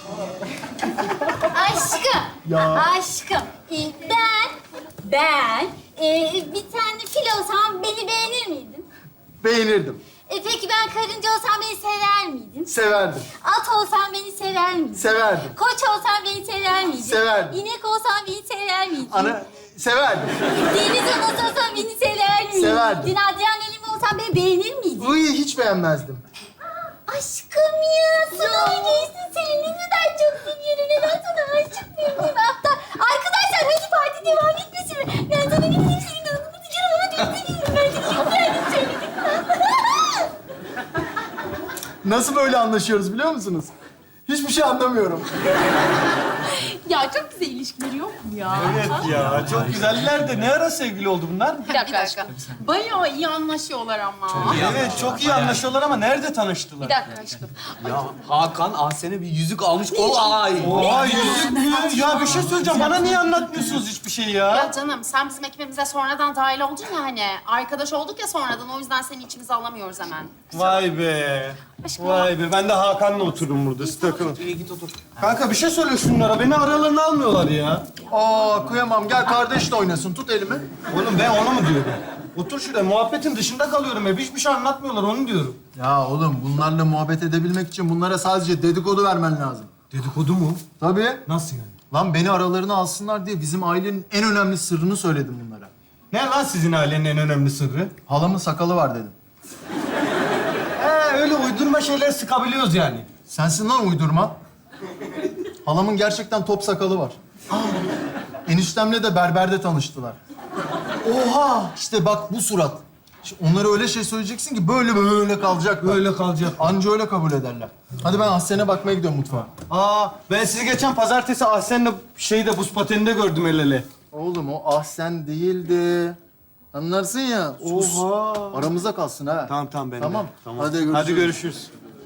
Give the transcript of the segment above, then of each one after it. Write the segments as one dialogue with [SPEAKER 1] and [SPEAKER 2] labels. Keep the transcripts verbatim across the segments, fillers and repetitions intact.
[SPEAKER 1] Aşkım.
[SPEAKER 2] Ya.
[SPEAKER 1] Aşkım. Ee, ben, ben e, bir tane fil olsam beni beğenir miydin?
[SPEAKER 2] Beğenirdim.
[SPEAKER 1] E, peki ben karınca olsam beni sever miydin?
[SPEAKER 2] Severdim.
[SPEAKER 1] At olsam beni sever miydin?
[SPEAKER 2] Severdim.
[SPEAKER 1] Koç olsam beni sever miydin?
[SPEAKER 2] Severdim.
[SPEAKER 1] İnek olsam beni sever miydin?
[SPEAKER 2] Ana, severdim.
[SPEAKER 1] Deniz anası olsam beni sever miydin?
[SPEAKER 2] Severdim.
[SPEAKER 1] Adrian Elim olsam beni beğenir miydin?
[SPEAKER 2] Uy, hiç beğenmezdim.
[SPEAKER 1] Aşkım ya, sınavı geçtin seni ne kadar çok seviyorum. Neden sana aşık mıyım? Hatta arkadaşlar hadi parti devam etmesin mi? Ben sana ne bileyim senin adını tutuyorum ama çok seviyorum. Ben seni çok beğendim söyledim.
[SPEAKER 2] Nasıl böyle anlaşıyoruz biliyor musunuz? Hiçbir şey anlamıyorum.
[SPEAKER 3] Ya çok güzel ilişkileri yok mu ya?
[SPEAKER 4] Evet ya, çok güzeller de ne ara sevgili oldu bunlar?
[SPEAKER 3] Bir dakika, aşkım. Bayağı iyi anlaşıyorlar ama.
[SPEAKER 4] Evet, çok iyi anlaşıyorlar ama nerede tanıştılar?
[SPEAKER 3] Bir dakika aşkım.
[SPEAKER 5] Ya Hakan Ahsen'e bir yüzük almış. Olay.
[SPEAKER 4] Oha, yüzük mü? Ya bir şey söyleyeceğim, bana niye anlatmıyorsunuz hiçbir şey ya?
[SPEAKER 3] Ya canım sen bizim ekibimize sonradan dahil oldun ya hani. Arkadaş olduk ya sonradan o yüzden seni içimize alamıyoruz hemen.
[SPEAKER 4] Vay be. Vay be, ben de Hakan'la otururum burada, siz takılın.
[SPEAKER 5] İyi git otur.
[SPEAKER 4] Kanka bir şey söyle şunlara, beni aralarına almıyorlar ya.
[SPEAKER 2] Aa, kıyamam. Gel kardeşle oynasın. Tut elimi.
[SPEAKER 4] Oğlum ben onu mu diyorum? Otur şuraya, muhabbetin dışında kalıyorum hep. Hiçbir şey anlatmıyorlar, onu diyorum.
[SPEAKER 2] Ya oğlum, bunlarla muhabbet edebilmek için bunlara sadece dedikodu vermen lazım.
[SPEAKER 4] Dedikodu mu?
[SPEAKER 2] Tabii.
[SPEAKER 4] Nasıl yani?
[SPEAKER 2] Lan beni aralarına alsınlar diye bizim ailenin en önemli sırrını söyledim bunlara.
[SPEAKER 4] Ne lan sizin ailenin en önemli sırrı?
[SPEAKER 2] Halamın sakalı var dedim.
[SPEAKER 4] He, öyle uydurma şeyler sıkabiliyoruz yani.
[SPEAKER 2] Sensin lan uydurma. Halamın gerçekten top sakalı var. Eniştemle de berberde tanıştılar. Oha! İşte bak bu surat. Şimdi onlara öyle şey söyleyeceksin ki böyle böyle kalacaklar.
[SPEAKER 4] Böyle kalacak.
[SPEAKER 2] Anca öyle kabul ederler. Hadi ben Ahsen'e bakmaya gidiyorum mutfağa.
[SPEAKER 4] Aa, ben sizi geçen pazartesi Ahsen'le şeyde buz pateninde gördüm el ele.
[SPEAKER 2] Oğlum o Ahsen değildi. Anlarsın ya. Sus.
[SPEAKER 4] Oha.
[SPEAKER 2] Aramızda kalsın ha.
[SPEAKER 4] Tamam tamam ben de.
[SPEAKER 2] Tamam.
[SPEAKER 4] Tamam.
[SPEAKER 2] Hadi görüşürüz.
[SPEAKER 4] Hadi görüşürüz.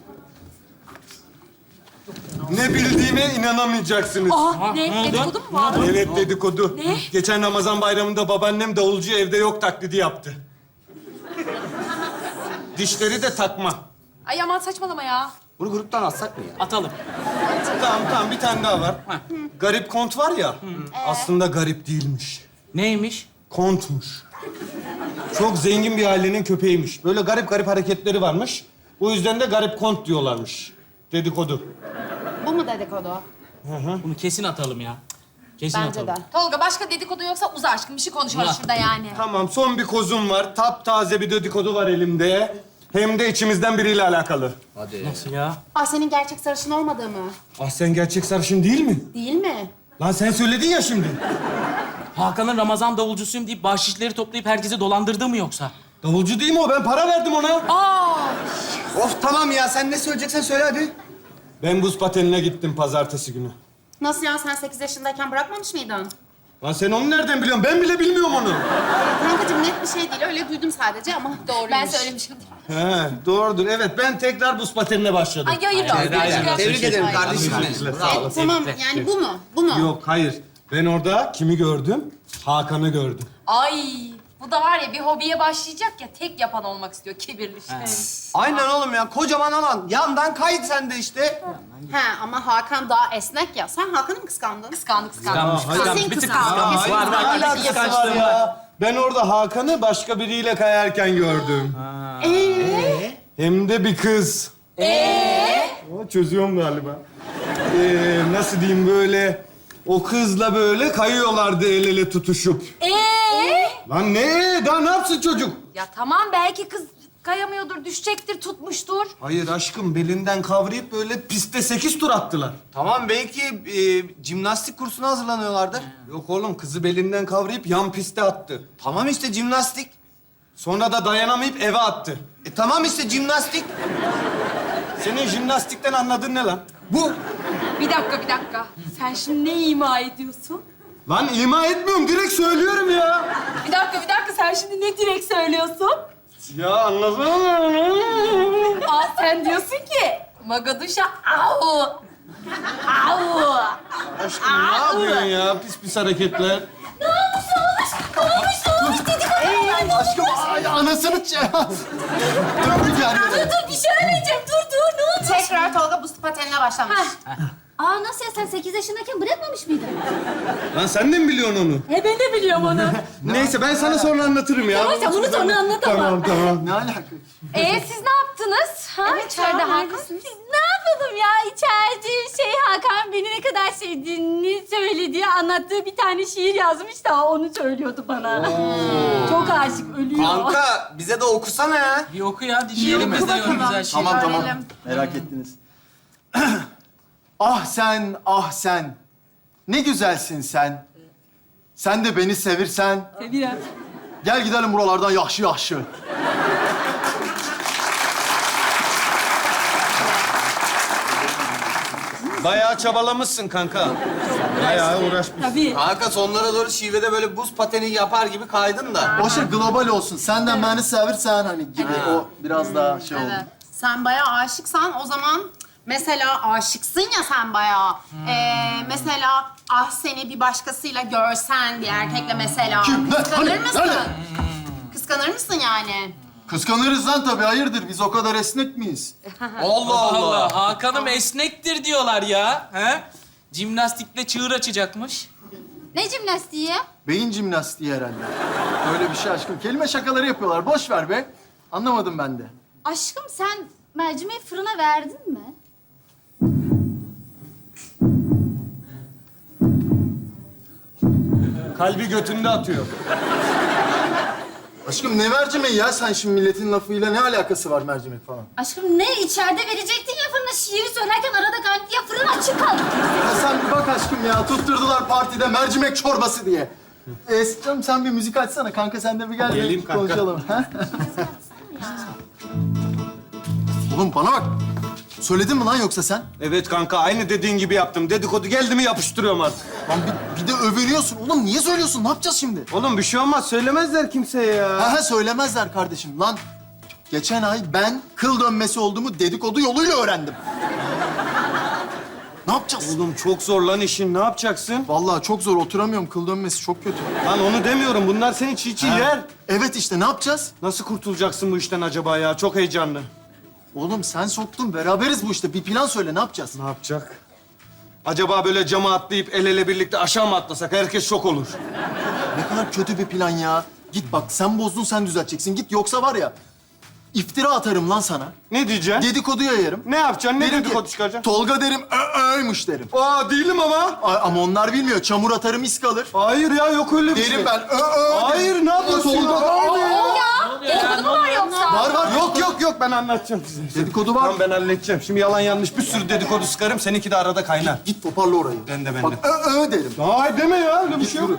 [SPEAKER 4] Ne bildiğime inanamayacaksınız.
[SPEAKER 3] Ah ne? Dedikodu mu var?
[SPEAKER 4] Evet dedikodu.
[SPEAKER 3] Ne?
[SPEAKER 4] Geçen Ramazan bayramında babaannem davulcu evde yok taklidi yaptı. Dişleri de takma.
[SPEAKER 3] Ay aman saçmalama ya.
[SPEAKER 5] Bunu gruptan atsak mı ya?
[SPEAKER 6] Atalım.
[SPEAKER 4] Tamam tamam bir tane daha var. Garip kont var ya. Aslında garip değilmiş.
[SPEAKER 6] Neymiş?
[SPEAKER 4] Kontmuş. Çok zengin bir ailenin köpeğiymiş. Böyle garip garip hareketleri varmış. O yüzden de garip kont diyorlarmış. Dedikodu.
[SPEAKER 3] Bu mu dedikodu?
[SPEAKER 6] Bunu kesin atalım ya. Kesin
[SPEAKER 3] Bence
[SPEAKER 6] atalım.
[SPEAKER 3] de. Tolga başka dedikodu yoksa uza aşkım. Bir şey konuşalım
[SPEAKER 6] Uza.
[SPEAKER 3] şurada yani.
[SPEAKER 4] Tamam son bir kozum var. Taptaze bir dedikodu var elimde. Hem de içimizden biriyle alakalı.
[SPEAKER 5] Hadi.
[SPEAKER 6] Nasıl ya?
[SPEAKER 3] Ah senin gerçek sarışın olmadığı mı?
[SPEAKER 4] Ah sen gerçek sarışın değil mi?
[SPEAKER 3] Değil mi?
[SPEAKER 4] Lan sen söyledin ya şimdi.
[SPEAKER 6] Hakan'ın Ramazan davulcusuyum deyip bahşişleri toplayıp herkesi dolandırdı mı yoksa?
[SPEAKER 4] Davulcu değil mi o? Ben para verdim ona.
[SPEAKER 3] Aa!
[SPEAKER 5] Of tamam ya, sen ne söyleyeceksen söyle hadi.
[SPEAKER 4] Ben buz patenine gittim pazartesi günü.
[SPEAKER 3] Nasıl ya sen sekiz yaşındayken bırakmamış mıydın?
[SPEAKER 4] Lan sen onu nereden biliyorsun? Ben bile bilmiyorum onu.
[SPEAKER 3] Kankacığım net bir şey değil. Öyle duydum sadece ama doğruymuş. Ben söylemişim.
[SPEAKER 4] He, doğrudur. Evet, ben tekrar buz patenine başladım.
[SPEAKER 3] Ay hayır olsun.
[SPEAKER 6] hayır.
[SPEAKER 5] Tebrik ederim kardeşim
[SPEAKER 4] Teşekkürler,
[SPEAKER 5] benim.
[SPEAKER 4] sağ
[SPEAKER 3] E, tamam yani bu mu? Bu mu?
[SPEAKER 4] Yok, hayır. Ben orada kimi gördüm? Hakan'ı gördüm.
[SPEAKER 7] Ay bu da var ya bir hobiye başlayacak ya tek yapan olmak istiyor kibirli şey.
[SPEAKER 5] Aynen oğlum ya, kocaman alan. Yandan kayıt sen de işte.
[SPEAKER 3] He ama Hakan daha esnek ya. Sen Hakan'ı mı kıskandın?
[SPEAKER 7] Kıskandı kıskandı.
[SPEAKER 6] Kıskanmış,
[SPEAKER 4] hayır.
[SPEAKER 6] kıskanmış.
[SPEAKER 3] Kesin
[SPEAKER 6] Bir tık
[SPEAKER 3] kıskanmış.
[SPEAKER 6] kıskanmış.
[SPEAKER 3] Kesin
[SPEAKER 6] Var, var.
[SPEAKER 3] kıskanmış.
[SPEAKER 6] Bir
[SPEAKER 4] Alakası
[SPEAKER 6] kıskançlığı
[SPEAKER 4] var ya. Ben orada Hakan'ı başka biriyle kayarken gördüm.
[SPEAKER 3] Ee?
[SPEAKER 4] Hem de bir kız. Ee? O çözüyorum galiba. Ee, nasıl diyeyim böyle... O kızla böyle kayıyorlardı el ele tutuşup.
[SPEAKER 7] Ee?
[SPEAKER 4] Lan ne? Daha ne yapsın çocuk?
[SPEAKER 7] Ya tamam belki kız kayamıyordur, düşecektir, tutmuştur.
[SPEAKER 4] Hayır aşkım, belinden kavrayıp böyle piste sekiz tur attılar.
[SPEAKER 5] Tamam, belki e, jimnastik kursuna hazırlanıyorlardır.
[SPEAKER 4] Yok oğlum, kızı belinden kavrayıp yan piste attı.
[SPEAKER 5] Tamam işte jimnastik.
[SPEAKER 4] Sonra da dayanamayıp eve attı.
[SPEAKER 5] E tamam işte jimnastik.
[SPEAKER 4] Senin jimnastikten anladığın ne lan?
[SPEAKER 5] Bu.
[SPEAKER 7] Bir dakika bir dakika. Sen şimdi ne ima ediyorsun?
[SPEAKER 4] Lan ima etmiyorum, direkt söylüyorum ya.
[SPEAKER 7] Bir dakika bir dakika sen şimdi ne direkt söylüyorsun?
[SPEAKER 4] Ya anlasana.
[SPEAKER 7] Aa sen diyorsun ki Magaduş'a au. Au.
[SPEAKER 4] Aşkım ne yapıyorsun ya? Pis pis hareketler.
[SPEAKER 7] Ne olmuş ne olmuş? Ne olmuş ne olmuş dedik ama.
[SPEAKER 2] Aşkım, ay, anasını ç... Döndük yani.
[SPEAKER 7] Dur dur bir şey öğreneceğim. Dur dur ne oldu?
[SPEAKER 3] Tekrar Tolga buz patenine başlamış.
[SPEAKER 1] Aa nasıl ya sen sekiz yaşındayken bırakmamış mıydın?
[SPEAKER 4] Lan sen de mi biliyorsun onu?
[SPEAKER 7] He ben de biliyorum onu.
[SPEAKER 4] Neyse ben sana sonra anlatırım ya.
[SPEAKER 7] Tamam sen bunu sonra anlat ama.
[SPEAKER 4] Tamam tamam.
[SPEAKER 2] Ne alaka?
[SPEAKER 7] Ee siz ne yaptınız? Ha?
[SPEAKER 1] Evet,
[SPEAKER 7] İçeride
[SPEAKER 1] Hakan,
[SPEAKER 7] Hakan.
[SPEAKER 1] Ne yapalım ya içeride şey Hakan beni ne kadar sevdiğini söylediği anlattığı bir tane şiir yazmış da onu söylüyordu bana. Çok aşık ölüyor.
[SPEAKER 5] Kanka bize de okusana ya.
[SPEAKER 6] Bir oku ya, dinleyelim biz de yorum güzel şey.
[SPEAKER 2] Tamam tamam.
[SPEAKER 3] Öğrenelim.
[SPEAKER 2] Merak ettiniz. Ah sen, ah sen. Ne güzelsin sen. Sen de beni sevirsen.
[SPEAKER 1] Biraz.
[SPEAKER 2] Gel gidelim buralardan yahşi yahşi.
[SPEAKER 4] Bayağı çabalamışsın kanka. Bayağı uğraşmışsın.
[SPEAKER 1] Tabii.
[SPEAKER 5] Kanka sonlara doğru şivede böyle buz pateni yapar gibi kaydın da.
[SPEAKER 2] O şey global olsun. Senden beni sevirsen hani gibi o biraz daha şey oldu.
[SPEAKER 3] Evet. Sen bayağı aşıksan o zaman mesela aşıksın ya sen bayağı. Ee, mesela ah seni bir başkasıyla görsen bir erkekle mesela.
[SPEAKER 2] Kim? Ne?
[SPEAKER 3] Kıskanır
[SPEAKER 2] Hani?
[SPEAKER 3] mısın?
[SPEAKER 2] Nerede?
[SPEAKER 3] Kıskanır mısın yani?
[SPEAKER 2] Kıskanırız lan tabii. Hayırdır? Biz o kadar esnek miyiz?
[SPEAKER 5] Allah
[SPEAKER 6] Allah
[SPEAKER 5] Allah.
[SPEAKER 6] Allah, Hakan'ım esnektir diyorlar ya. He? Jimnastikle çığır açacakmış.
[SPEAKER 1] Ne jimnastiği ya?
[SPEAKER 2] Beyin jimnastiği herhalde. Öyle bir şey aşkım. Kelime şakaları yapıyorlar. Boş ver be. Anlamadım ben de.
[SPEAKER 1] Aşkım sen mercimeği fırına verdin mi?
[SPEAKER 4] Kalbi götünde atıyor.
[SPEAKER 2] Aşkım ne mercimeği ya? Sen şimdi milletin lafıyla ne alakası var mercimek falan?
[SPEAKER 1] Aşkım ne içeride verecektin ya fırına şiiri söylerken arada kaldı ya fırın açık kaldı.
[SPEAKER 2] Ya sen bir bak aşkım ya. Tutturdular partide mercimek çorbası diye. Ee, canım sen bir müzik açsana. Kanka sen de bir gel.
[SPEAKER 4] Geleyim
[SPEAKER 2] bir
[SPEAKER 4] kanka.
[SPEAKER 2] konuşalım. ha? Oğlum bana bak. Söyledin mi lan yoksa sen?
[SPEAKER 4] Evet kanka aynı dediğin gibi yaptım. Dedikodu geldi mi yapıştırıyorum artık.
[SPEAKER 2] Lan bir, bir de övünüyorsun. Oğlum niye söylüyorsun? Ne yapacağız şimdi?
[SPEAKER 4] Oğlum bir şey olmaz söylemezler kimseye ya.
[SPEAKER 2] Ha ha söylemezler kardeşim. Lan geçen ay ben kıl dönmesi olduğumu dedikodu yoluyla öğrendim. Ne yapacağız?
[SPEAKER 4] Oğlum çok zor lan işin. Ne yapacaksın?
[SPEAKER 2] Vallahi çok zor. Oturamıyorum. Kıl dönmesi çok kötü.
[SPEAKER 4] Lan onu demiyorum. Bunlar seni çiğ çiğ
[SPEAKER 2] Ha.
[SPEAKER 4] yer.
[SPEAKER 2] Evet işte ne yapacağız?
[SPEAKER 4] Nasıl kurtulacaksın bu işten acaba ya? Çok heyecanlı.
[SPEAKER 2] Oğlum sen soktun. Beraberiz bu işte. Bir plan söyle. Ne yapacağız?
[SPEAKER 4] Ne yapacak? Acaba böyle cama atlayıp el ele birlikte aşağı mı atlasak? Herkes şok olur.
[SPEAKER 2] Ne kadar kötü bir plan ya. Git bak sen bozdun sen düzelteceksin. Git yoksa var ya iftira atarım lan sana.
[SPEAKER 4] Ne diyeceksin?
[SPEAKER 2] Dedikodu yayarım.
[SPEAKER 4] Ne yapacaksın? Ne
[SPEAKER 2] Derim ki,
[SPEAKER 4] dedikodu çıkaracaksın?
[SPEAKER 2] Tolga derim, ö öymüş derim.
[SPEAKER 4] Aa değilim ama.
[SPEAKER 2] A- ama onlar bilmiyor. Çamur atarım iz kalır.
[SPEAKER 4] Hayır ya yok öyle bir şey.
[SPEAKER 2] Derim ben, ö ö.
[SPEAKER 4] Hayır ne yapıyorsun
[SPEAKER 2] Tolga
[SPEAKER 4] ya?
[SPEAKER 2] da-
[SPEAKER 7] Dedikodu mu var yoksa?
[SPEAKER 2] Var var.
[SPEAKER 4] Yok yok yok ben anlatacağım size.
[SPEAKER 2] Dedikodu var.
[SPEAKER 4] Tamam ben halledeceğim. Şimdi yalan yanlış bir sürü dedikodu sıkarım. Seninki de arada kaynar.
[SPEAKER 2] Git toparla orayı.
[SPEAKER 4] Ben de, ben
[SPEAKER 2] Bak,
[SPEAKER 4] de.
[SPEAKER 2] ö ö derim.
[SPEAKER 4] Hayır deme ya öyle bir şey yok.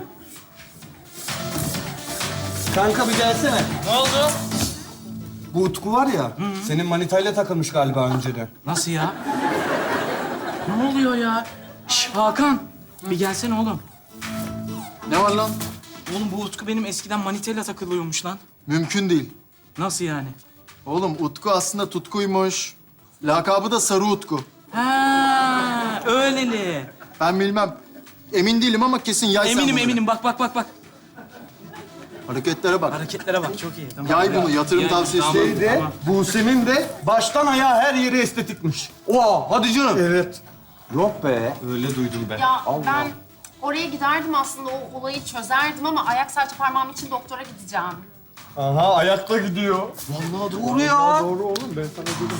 [SPEAKER 4] Kanka bir gelsene.
[SPEAKER 6] Ne oldu?
[SPEAKER 4] Bu Utku var ya, senin manitayla takılmış galiba önceden.
[SPEAKER 6] Nasıl ya? Ne oluyor ya? Şş, Hakan, bir gelsene oğlum.
[SPEAKER 2] Ne var lan?
[SPEAKER 6] Oğlum bu Utku benim eskiden manitayla takılıyormuş lan.
[SPEAKER 2] Mümkün değil.
[SPEAKER 6] Nasıl yani?
[SPEAKER 2] Oğlum Utku aslında Tutku'ymuş. Lakabı da Sarı Utku.
[SPEAKER 6] Ha, öyleli.
[SPEAKER 2] Ben bilmem. Emin değilim ama kesin yay sen
[SPEAKER 6] Eminim
[SPEAKER 2] bunu.
[SPEAKER 6] eminim. Bak bak bak bak.
[SPEAKER 2] Hareketlere bak.
[SPEAKER 6] Hareketlere bak. Çok iyi. Tamam.
[SPEAKER 2] Yay bunu, yatırım
[SPEAKER 6] Yay,
[SPEAKER 2] tavsiyesi
[SPEAKER 6] tamam,
[SPEAKER 2] değil
[SPEAKER 4] De,
[SPEAKER 6] tamam.
[SPEAKER 4] Buse'nin de baştan ayağa her yeri estetikmiş.
[SPEAKER 5] Oha hadi canım.
[SPEAKER 4] Evet.
[SPEAKER 5] Yok be.
[SPEAKER 4] Öyle duydum ben.
[SPEAKER 3] Ya ben oraya giderdim aslında o olayı çözerdim ama ayak serçe parmağım için doktora gideceğim.
[SPEAKER 4] Aha ayakta gidiyor.
[SPEAKER 2] Vallahi
[SPEAKER 5] Doğru ya.
[SPEAKER 4] Doğru oğlum ben sana dedim.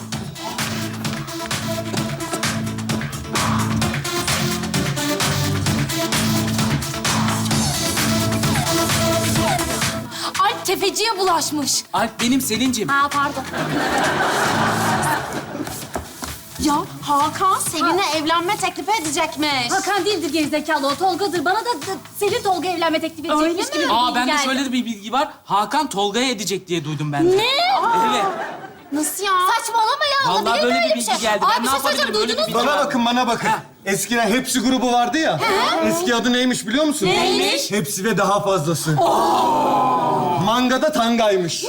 [SPEAKER 7] Alp tefeciye bulaşmış.
[SPEAKER 6] Alp benim Selin'cim.
[SPEAKER 1] Ha pardon.
[SPEAKER 3] Ya Hakan Selin'e evlenme teklifi edecekmiş.
[SPEAKER 1] Hakan değildir gerizekalı o Tolga'dır. Bana da da Selin Tolga evlenme teklif edecekmiş
[SPEAKER 3] mi?
[SPEAKER 1] gibi bir
[SPEAKER 6] Aa
[SPEAKER 1] bilgi
[SPEAKER 6] bende
[SPEAKER 1] geldi.
[SPEAKER 6] şöyle de bir bilgi var. Hakan Tolga'ya edecek diye duydum ben de.
[SPEAKER 1] Ne?
[SPEAKER 6] Evet.
[SPEAKER 3] Nasıl ya?
[SPEAKER 1] Saçmalama ya.
[SPEAKER 6] Vallahi
[SPEAKER 1] olabilir mi
[SPEAKER 6] böyle bir
[SPEAKER 1] öyle
[SPEAKER 6] bilgi
[SPEAKER 1] şey?
[SPEAKER 6] geldi.
[SPEAKER 1] Abi
[SPEAKER 6] Ben
[SPEAKER 1] bir
[SPEAKER 6] ne
[SPEAKER 1] şey söyleyeceğim.
[SPEAKER 6] yapabilirim? Böyle bir
[SPEAKER 1] Duydunuz mu?
[SPEAKER 6] bilgi-
[SPEAKER 4] Bana bakın bana bakın.
[SPEAKER 6] Ha.
[SPEAKER 4] Eskiden Hepsi grubu vardı ya. Eski adı neymiş biliyor musun?
[SPEAKER 1] Neymiş?
[SPEAKER 4] Hepsi ve daha fazlası. Mangada tangaymış.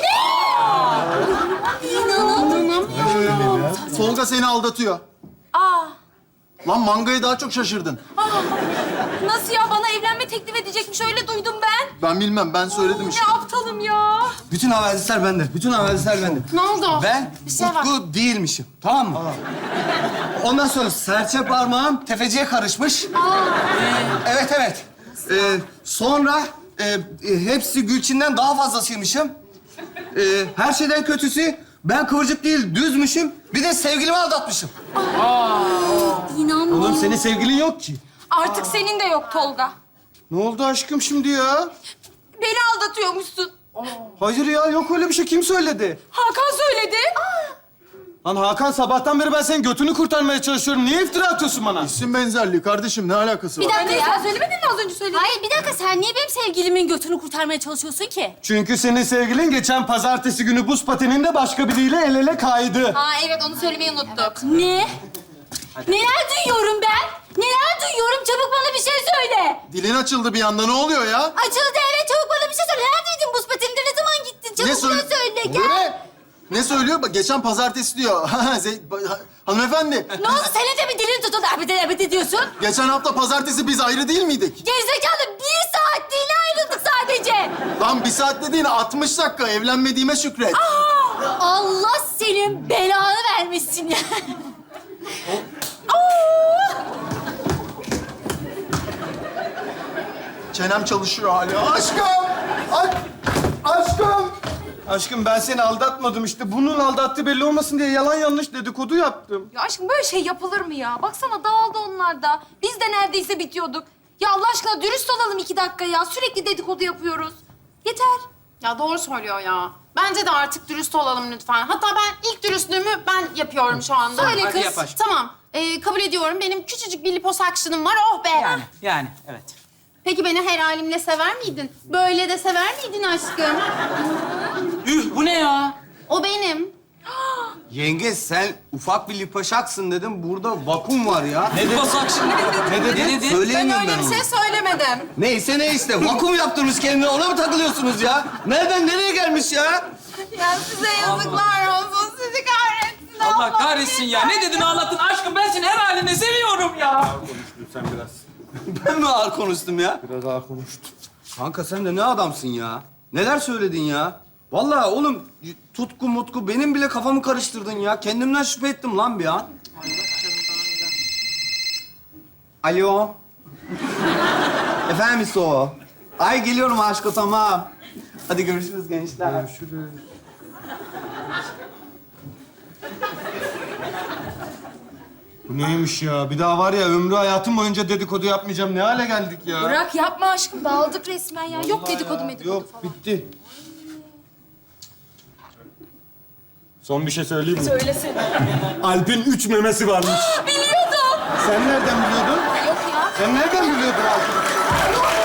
[SPEAKER 2] Tolga seni aldatıyor.
[SPEAKER 1] Aa.
[SPEAKER 2] Lan mangayı daha çok şaşırdın.
[SPEAKER 1] Aa
[SPEAKER 7] Nasıl ya? Bana evlenme teklif edecekmiş. Öyle duydum ben.
[SPEAKER 2] Ben bilmem, ben söyledim işte.
[SPEAKER 7] Ne aptalım ya.
[SPEAKER 5] Bütün havadisler bende. Bütün havadisler bende.
[SPEAKER 3] Ne oldu?
[SPEAKER 5] Ben
[SPEAKER 3] Bir şey var.
[SPEAKER 5] Utku değilmişim. Tamam mı? Ondan sonra serçe parmağım tefeciye karışmış. Evet, evet. Ee, sonra e, e, hepsi Gülçin'den daha fazlasıymışım. Ee, her şeyden kötüsü ben kıvırcık değil, düzmüşüm. Bir de sevgilimi aldatmışım.
[SPEAKER 1] İnanmıyorum.
[SPEAKER 5] Oğlum senin sevgilin yok ki.
[SPEAKER 7] Artık senin de yok Tolga.
[SPEAKER 5] Ne oldu aşkım şimdi ya?
[SPEAKER 7] Beni aldatıyormuşsun.
[SPEAKER 5] Hayır ya, yok öyle bir şey. Kim söyledi?
[SPEAKER 7] Hakan söyledi.
[SPEAKER 4] Lan Hakan, sabahtan beri ben senin götünü kurtarmaya çalışıyorum. Niye iftira atıyorsun bana?
[SPEAKER 2] İsim benzerliği kardeşim, ne alakası var?
[SPEAKER 1] Bir dakika
[SPEAKER 7] Sen
[SPEAKER 1] ya.
[SPEAKER 7] söylemedin mi az önce söyledin?
[SPEAKER 1] Hayır bir dakika sen niye benim sevgilimin götünü kurtarmaya çalışıyorsun ki?
[SPEAKER 4] Çünkü senin sevgilin geçen pazartesi günü buz pateninde başka biriyle el ele kaydı.
[SPEAKER 7] Ha evet, onu söylemeyi unuttuk.
[SPEAKER 1] Ne? Neler duyuyorum ben? Neler duyuyorum? Çabuk bana bir şey söyle.
[SPEAKER 2] Dilin açıldı bir anda, ne oluyor ya?
[SPEAKER 1] Açıldı evet çabuk bana bir şey söyle. Neredeydin buz patende? Ne zaman gittin? Çabuk bana
[SPEAKER 2] söyle-
[SPEAKER 1] söyle.
[SPEAKER 2] Ne?
[SPEAKER 1] Gel.
[SPEAKER 2] Ne söylüyor? Bak geçen pazartesi diyor. Ze- ba- ha- Hanımefendi,
[SPEAKER 1] Ne oldu? Senin de mi dilin tutuldu? Abide abide diyorsun.
[SPEAKER 2] geçen hafta pazartesi biz ayrı değil miydik?
[SPEAKER 1] Gerizekalı bir saatliğine ayrıldık sadece.
[SPEAKER 2] Lan bir saat dediğin altmış dakika, evlenmediğime şükret.
[SPEAKER 1] Allah senin belanı vermesin ya.
[SPEAKER 2] Çenem çalışıyor hala. Aşkım! Ay, aşkım!
[SPEAKER 4] Aşkım ben seni aldatmadım işte. Bunun aldattığı belli olmasın diye yalan yanlış dedikodu yaptım.
[SPEAKER 7] Ya aşkım böyle şey yapılır mı ya? Baksana dağıldı onlar da. Biz de neredeyse bitiyorduk. Ya Allah aşkına dürüst olalım iki dakika ya. Sürekli dedikodu yapıyoruz. Yeter.
[SPEAKER 3] Ya doğru söylüyor ya. Bence de artık dürüst olalım lütfen. Hatta ben ilk dürüstlüğümü ben yapıyorum şu anda.
[SPEAKER 7] Söyle
[SPEAKER 6] Hadi
[SPEAKER 7] kız.
[SPEAKER 6] yap aşkım.
[SPEAKER 3] Tamam. Ee, kabul ediyorum. Benim küçücük bir liposuction'ım var. Oh be.
[SPEAKER 6] Yani, yani evet.
[SPEAKER 3] Peki beni her halimle sever miydin? Böyle de sever miydin aşkım?
[SPEAKER 6] Üh, bu ne ya?
[SPEAKER 3] O benim.
[SPEAKER 5] Yenge sen ufak bir lipaşaksın dedim. Burada vakum var ya.
[SPEAKER 6] Ne basak şimdi?
[SPEAKER 5] Ne dedin?
[SPEAKER 6] Ne dedin?
[SPEAKER 5] Söyleyemiyorum ben, onu.
[SPEAKER 3] söylemedim.
[SPEAKER 5] Neyse ne işte. Vakum yaptırmış kendine. Ona mı takılıyorsunuz ya? Nereden nereye gelmiş ya?
[SPEAKER 3] Ya size yazıklar olsun. Sizi kahretsin.
[SPEAKER 6] Allah kahretsin ya. Ne dedin ağlattın? Aşkım ben seni her halinde seviyorum ya.
[SPEAKER 5] Ben mi ağır konuştum ya?
[SPEAKER 4] Biraz daha konuştum.
[SPEAKER 5] Kanka sen de ne adamsın ya? Neler söyledin ya? Vallahi oğlum tutku mutku benim bile kafamı karıştırdın ya. Kendimden şüphe ettim lan bir an. Alo. Efendim o. Ay geliyorum aşkı tamam. Hadi görüşürüz gençler.
[SPEAKER 4] Görüşürüz. Bu neymiş ya? Bir daha var ya ömrü hayatım boyunca dedikodu yapmayacağım. Ne hale geldik ya?
[SPEAKER 7] Bırak yapma aşkım. Dağıldık resmen ya. Yok dedikodu medikodu
[SPEAKER 4] Yok,
[SPEAKER 7] falan.
[SPEAKER 4] bitti. Son bir şey söyleyeyim mi?
[SPEAKER 7] Söylesin.
[SPEAKER 4] Alp'in üç memesi varmış.
[SPEAKER 7] Biliyordum.
[SPEAKER 4] Sen nereden biliyordun?
[SPEAKER 7] Yok ya.
[SPEAKER 4] Sen nereden biliyordun Alp'in?
[SPEAKER 7] Yok